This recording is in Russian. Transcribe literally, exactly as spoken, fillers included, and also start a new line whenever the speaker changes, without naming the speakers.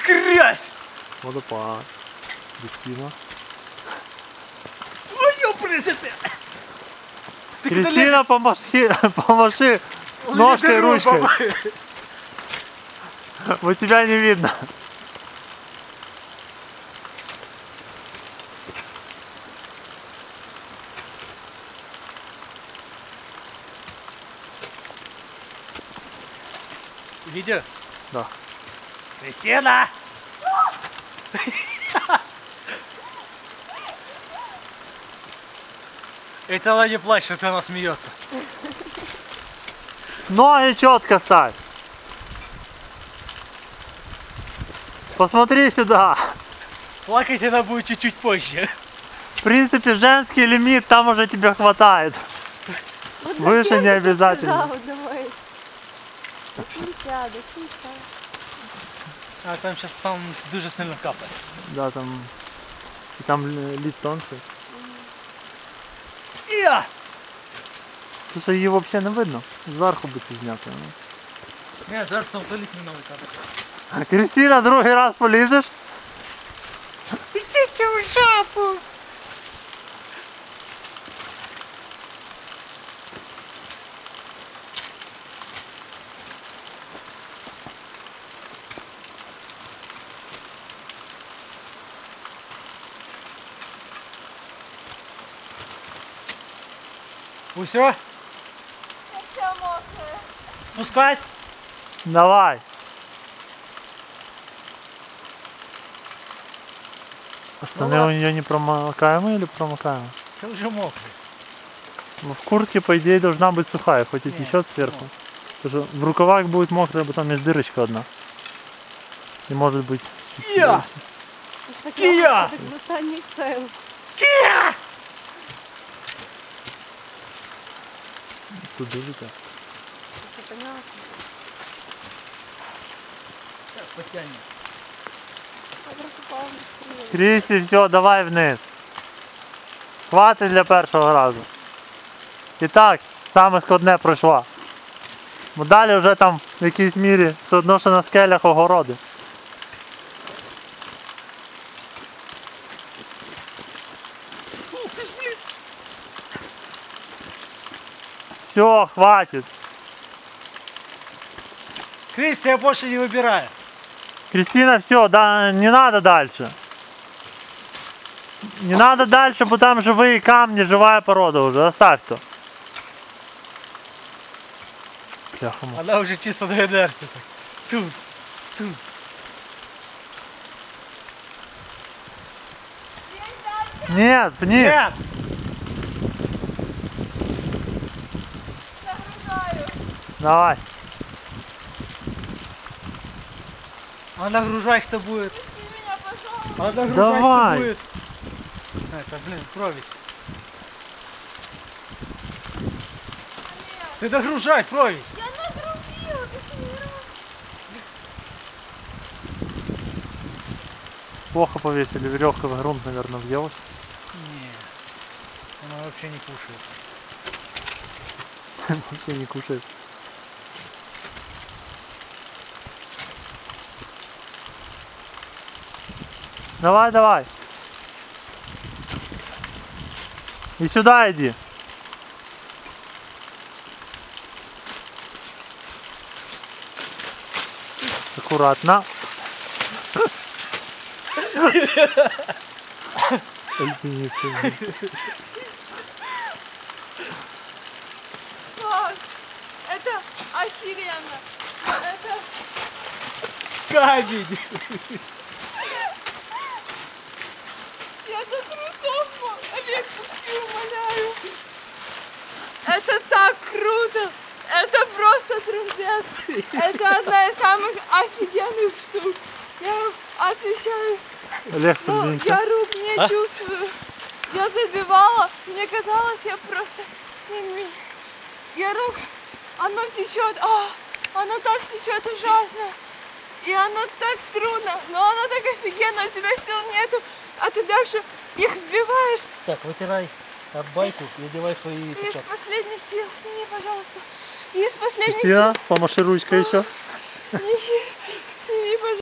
грязь!
Водопад. Кристина.
Ой, ёпресете!
Кристина, помаши, помаши ножкой, ручкой. Вот тебя не видно.
Видео?
Да.
Кристина! Это она не плачет, она смеется.
Ноги четко ставь. Посмотри сюда.
Плакать она будет чуть-чуть позже.
В принципе, женский лимит там уже тебе хватает.
Вот
Выше не обязательно.
Да, давай. До кінця, до кінця.
А там сейчас там дуже сильно капает.
Да, там, и там лід тонкий.
Я!
Слушай, її взагалі не видно. Зверху би це зняти.
Нет, зараз там залить не новий капает.
Кристина, другий раз полізеш?
Идите в жопу! Усё?
Я вся мокрая.
Спускать?
Давай. А штаны
Ну,
у нее не промокаемые или промокаемые?
Ты уже мокрый.
Ну, в куртке, по идее, должна быть сухая, хоть и
Нет,
течет сверху. Потому что в рукавах будет мокрая, а потом есть дырочка одна. И может быть...
Я! Кия!
Так в останніх сил.
Кия!
Тут дырочка.
Це понятно.
Сейчас потянем.
Я просто пала быстрее.
Крісті, все, давай вниз. Хватить для першого разу. І так, саме складне пройшла. Бо далі вже там в якійсь мірі все одно, що на скелях огороди. Все, хватит.
Кристи, я больше не выбираю.
Кристина, все, да, не надо дальше. Не надо дальше, потому там живые камни, живая порода уже. Оставь то. Бляха-муха.
Она уже чисто на инерции. Так. Тут, тут.
Нет, вниз.
Нет!
Загружаю.
Давай.
А нагружай кто будет.
Пусти меня, пожалуйста.
А нагружай
Давай.
кто будет. Это, блин, провись. Ты нагружай, провись.
Я нагрузила, ты ж не раз.
Плохо повесили, веревка в грунт, наверное, въелась.
Не, она вообще не кушает.
Вообще не кушает. Давай, давай. И сюда иди. Аккуратно. Альпинисты.
Как? Это охеренно. Это...
Камень!
Я до трусов, Олег, пусти, умоляю. Это так круто. Это просто трындец. Это одна из самых офигенных штук. Я отвечаю.
Олег,
Ну,
подвинься.
я рук не
А?
чувствую. Я забивала. Мне казалось, я просто с ними... Я рук... Оно течет. А, оно так течет ужасно. И оно так трудно. Но оно так офигенно. У тебя сил нету. А ты дальше их вбиваешь.
Так, вытирай об байку и одевай свои
Из
перчатки.
последних сил. Сними, пожалуйста. Из последних
Кристина, помаши ручкой еще.
сил. Сними, пожалуйста.